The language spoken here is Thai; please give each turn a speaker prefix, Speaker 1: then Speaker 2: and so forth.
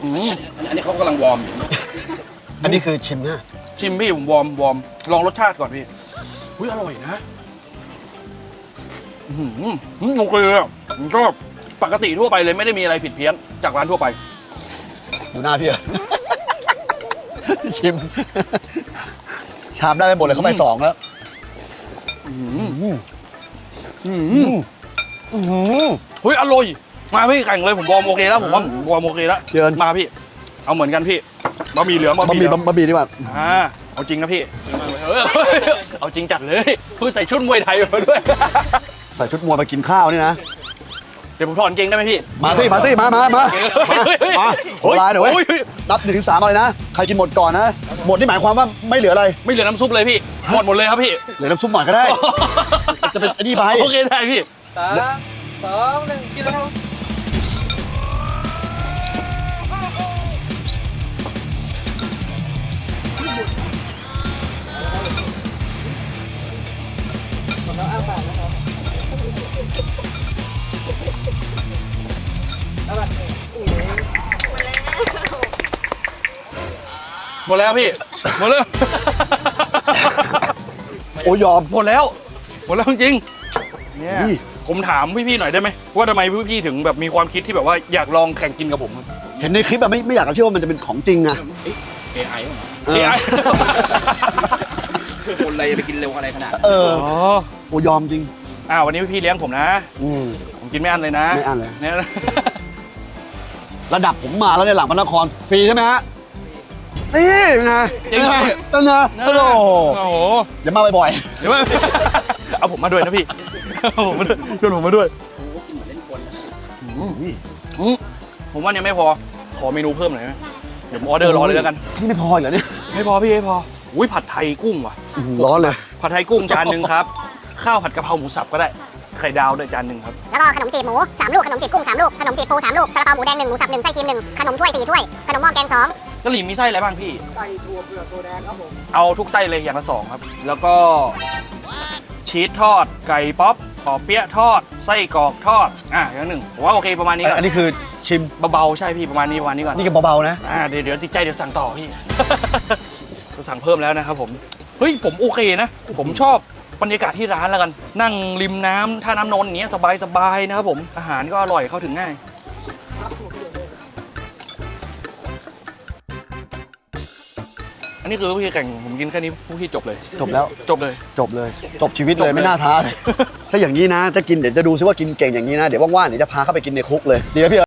Speaker 1: อันนี้เขากำลังวอร์ม
Speaker 2: อันนี้คือชิมนะ
Speaker 1: ชิมพี่ผมวอร์มลองรสชาติก่อนพี่อุ้ยอร่อยนะโอเคเลยอ่ะผมชอบปกติทั่วไปเลยไม่ได้มีอะไรผิดเพี้ยนจากร้านทั่วไป
Speaker 2: ดูหน้าพี่ ชิม ชามได้ไปหมดเลยเข้าไป2แล้ว
Speaker 1: เฮ้ยอร่อยมาพี่แข่งเลยผมวอร์มโอเคแล้วผมว่าวอร์มโอเคแล้วมาพี่เอาเหมือนกันพี่บะหมี่เหลืองบะห
Speaker 2: มี่ดีกว่า
Speaker 1: เอาจริงนะพี่เอาจริงจัดเลยพูดใส่ชุดมวยไทยมาด้วย
Speaker 2: ใส่ชุดมวยมากินข้าวนี่นะ
Speaker 1: เดี๋ยวผมถอนเกงได้ไหมพี่
Speaker 2: มาสิมาโหลายหน่อยเว้ยนับ1 ถึง 3อะไรนะใครกินหมดก่อนนะหมดที่หมายความว่าไม่เหลืออะไร
Speaker 1: ไม่เหลือน้ำซุปเลยพี่หมดเลยครับพี่
Speaker 2: เหลือน้ำซุปหน่อยก็ได้จะเป็นอันนี้ไป
Speaker 1: โอเคได้พี่
Speaker 3: 3 2 1กินแล้ว
Speaker 1: หมดแล้วพี่หมดแล้ว
Speaker 2: โอ้ยอม
Speaker 1: หมดแล้วจริงเนี่ยผมถามพี่ๆหน่อยได้ไหมว่าทำไมพี่ๆถึงแบบมีความคิดที่แบบว่าอยากลองแข่งกินกับผม
Speaker 2: เห็นในคลิปแบบไม่อยากจะเชื่อว่ามันจะเป็นของจริงอะ
Speaker 1: AI
Speaker 3: คนอะไรไปกินเร็วอะไรขนาด
Speaker 2: โอ้ยอมจริง
Speaker 1: วันนี้พี่เลี้ยงผมนะผมกินไม่อั้นเลยนะ
Speaker 2: ไม่อั้นเลย
Speaker 1: เนี่ย
Speaker 2: ระดับผมมาแล้วในหลังพระนครฟรีใช่ไหมฮะนี่เป็นไง
Speaker 1: จริงไหม
Speaker 2: นั่นนะโอ้โหอย่ามาบ่อย
Speaker 1: ๆเดี๋ยวเอาผมมาด้วยนะพี่ชวนผมมาด้วยผมว่าเนี่ยไม่พอขอเมนูเพิ่มหน่อยไหมเดี๋ยวผมออเดอร์รอเลยแล้วกัน
Speaker 2: นี่ไม่พอเหรอเนี่ย
Speaker 1: ไม่พอพี่ไม่พออุ้ยผัดไทยกุ้งว่ะ
Speaker 2: ร้อนเลย
Speaker 1: ผัดไทยกุ้งจานหนึ่งครับข้าวผัดกะเพราหมูสับก็ได้ไข่ดาวด้วยจานหนึ่งครับ
Speaker 4: แล้วก็ขนมจีบหมู3 ลูกขนมจีบกุ้ง3 ลูกขนมจีบปู3 ลูกซาลาเปาหมูแดง1หมูสับ1ไส้ครีม1ขนมถ้วย4 ถ้วยขนมหม้อแกง2
Speaker 1: กะหรี่มีไส้อะไรบ้างพี่
Speaker 3: ไส้ถั่วเปลือกถั่วแดงครับผม
Speaker 1: เอาทุกไส้เลยอย่างละ2ครับแล้วก็ชีสทอดไก่ป๊อปปอเปี๊ยะทอดไส้กรอกทอดอย่างหนึ่งผมว่าโอเคประมาณนี้
Speaker 2: อันนี้คือชิม
Speaker 1: เบาๆใช่พี่ประมาณนี้ก่อน
Speaker 2: นี่ก็เบาๆนะ
Speaker 1: เดี๋ยวติดใจเดี๋ยวสั่งต่อพี่ จะสั่งเพิ่มแล้วนะครับผมเฮ้ยผมโอเคนะผมชอบบรรยากาศที่ร้านแล้วกันนั่งริมน้ำท่าน้ำนนท์อย่างเงี้ยสบายๆนะครับผมอาหารก็อร่อยเข้าถึงง่ายอันนี้คือพี่แข่งผมกินแค่นี้พี่จบเลย
Speaker 2: จบแล้ว
Speaker 1: จบเลย
Speaker 2: จบชีวิตเลยไม่น่าท้าถ้าอย่างนี้นะถ้ากินเดี๋ยวจะดูซิว่ากินเก่งอย่างนี้นะเดี๋ยวว่างๆเดี๋ยวจะพาเข้าไปกินในคุกเลยดีไหมพี่